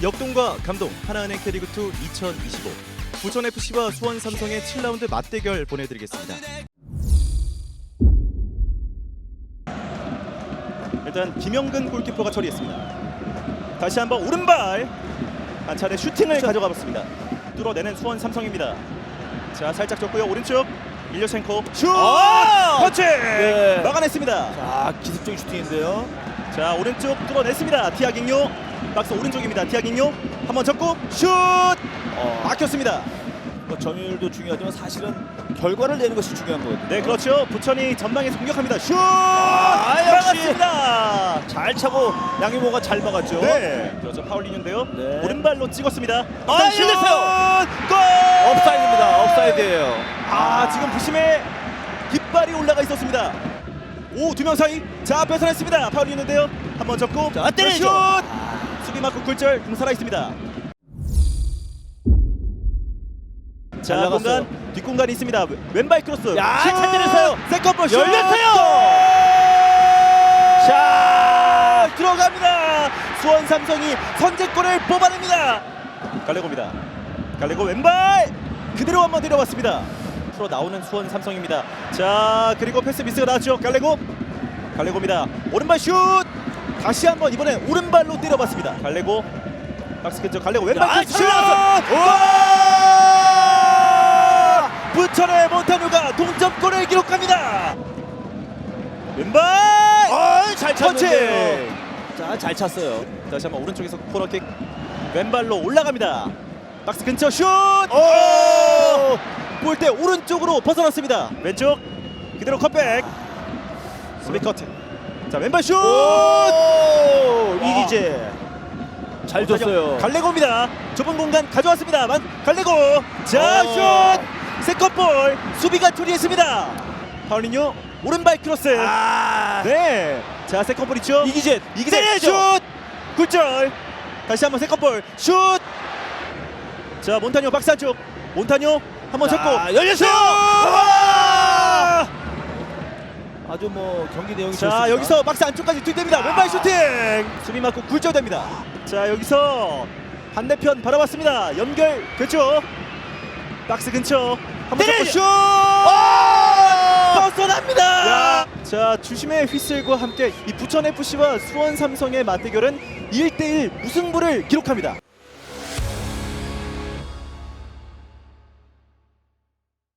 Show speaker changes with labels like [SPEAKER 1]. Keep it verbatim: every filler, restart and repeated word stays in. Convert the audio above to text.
[SPEAKER 1] 역동과 감동 하나은행 K리그투 이천이십오 부천에프씨와 수원 삼성의 칠 라운드 맞대결 보내드리겠습니다. 일단 김영근 골키퍼가 처리했습니다. 다시 한번 오른발 한 차례 슈팅을 가져가 봤습니다. 뚫어내는 수원 삼성입니다. 자, 살짝 줬고요. 오른쪽 일려첸코 슛!
[SPEAKER 2] 아!
[SPEAKER 1] 터치!
[SPEAKER 2] 네.
[SPEAKER 1] 막아냈습니다.
[SPEAKER 2] 자, 기습적인 슈팅인데요.
[SPEAKER 1] 자, 오른쪽 뚫어냈습니다. 티아깅요 박스 오른쪽입니다. 티아깅요 한번 접고 슛!
[SPEAKER 2] 어,
[SPEAKER 1] 막혔습니다.
[SPEAKER 2] 뭐 점유율도 중요하지만 사실은 결과를 내는 것이 중요한 거거든요.
[SPEAKER 1] 네, 그렇죠. 부천이 전방에서 공격합니다. 슛!
[SPEAKER 2] 아, 역시.
[SPEAKER 1] 막았습니다.
[SPEAKER 2] 잘 차고 양희모가 잘 막았죠.
[SPEAKER 1] 네, 그렇죠. 파울리뉴인데요.
[SPEAKER 2] 네.
[SPEAKER 1] 오른발로 찍었습니다.
[SPEAKER 2] 아,
[SPEAKER 1] 슛!
[SPEAKER 2] 열렸어요.
[SPEAKER 1] 골!
[SPEAKER 2] 업사이드입니다. 업사이드예요.
[SPEAKER 1] 아, 지금 부심에 깃발이 올라가 있었습니다. 오, 두 명 사이. 자, 뺏어냈습니다. 파울리뉴인데요. 한번 접고
[SPEAKER 2] 자, 때리죠.
[SPEAKER 1] 슛!
[SPEAKER 2] 아.
[SPEAKER 1] 수비 맞고 굴절 공 살아 있습니다. 자,
[SPEAKER 2] 잘
[SPEAKER 1] 공간
[SPEAKER 2] 나갔어요.
[SPEAKER 1] 뒷공간이 있습니다. 왼발 크로스.
[SPEAKER 2] 야,
[SPEAKER 1] 슛!
[SPEAKER 2] 잘 때렸어요.
[SPEAKER 1] 세컨볼 슛!
[SPEAKER 2] 열렸어요.
[SPEAKER 1] 골!
[SPEAKER 2] 자,
[SPEAKER 1] 들어갑니다. 수원 삼성이 선제골을 뽑아냅니다. 갈레고입니다. 갈레고 왼발 그대로 한번 내려왔습니다. 풀어 나오는 수원 삼성입니다. 자, 그리고 패스 미스가 나왔죠. 갈레고 갈레고입니다. 오른발 슛 다시 한번 이번엔 오른발로 때려봤습니다. 갈레고 박스 근처 갈레고 왼발
[SPEAKER 2] 야,
[SPEAKER 1] 슛!
[SPEAKER 2] 잘 나왔어.
[SPEAKER 1] 와! 부천의 몬타뉴가 동점골을 기록합니다. 왼발
[SPEAKER 2] 어, 잘
[SPEAKER 1] 터치!
[SPEAKER 2] 찼는데요. 자, 잘 찼어요.
[SPEAKER 1] 다시 한번 오른쪽에서 코너킥 왼발로 올라갑니다. 박스 근처 슛!
[SPEAKER 2] 오!
[SPEAKER 1] 골대 오른쪽으로 벗어났습니다. 왼쪽 그대로 컷백 수비 커트. 자, 왼발 슛!
[SPEAKER 2] 오! 이기재 잘 줬어요.
[SPEAKER 1] 갈레고입니다. 좁은 공간 가져왔습니다. 만 갈레고. 자,
[SPEAKER 2] 어.
[SPEAKER 1] 슛! 세컨볼 수비가 처리했습니다. 파울리뉴 오른발 크로스.
[SPEAKER 2] 아,
[SPEAKER 1] 네. 자, 세컨볼 있죠.
[SPEAKER 2] 이기재
[SPEAKER 1] 이기재 슛! 굴절. 다시 한번 세컨볼 슛! 자, 몬타뉴 박스 안쪽. 몬타뉴 한번
[SPEAKER 2] 자,
[SPEAKER 1] 잡고
[SPEAKER 2] 열렸어요.
[SPEAKER 1] 와!
[SPEAKER 2] 아주 뭐 경기 내용이
[SPEAKER 1] 자,
[SPEAKER 2] 좋습니다.
[SPEAKER 1] 여기서 박스 안쪽까지 뒷됩니다. 왼발 슈팅. 수비 맞고 굴절됩니다. 자, 여기서 반대편 바라봤습니다. 연결 됐죠. 박스 근처 한번 잡고 슛! 벗어납니다.
[SPEAKER 2] 야.
[SPEAKER 1] 자, 주심의 휘슬과 함께 이 부천에프씨와 수원 삼성의 맞대결은 일 대 일 무승부를 기록합니다.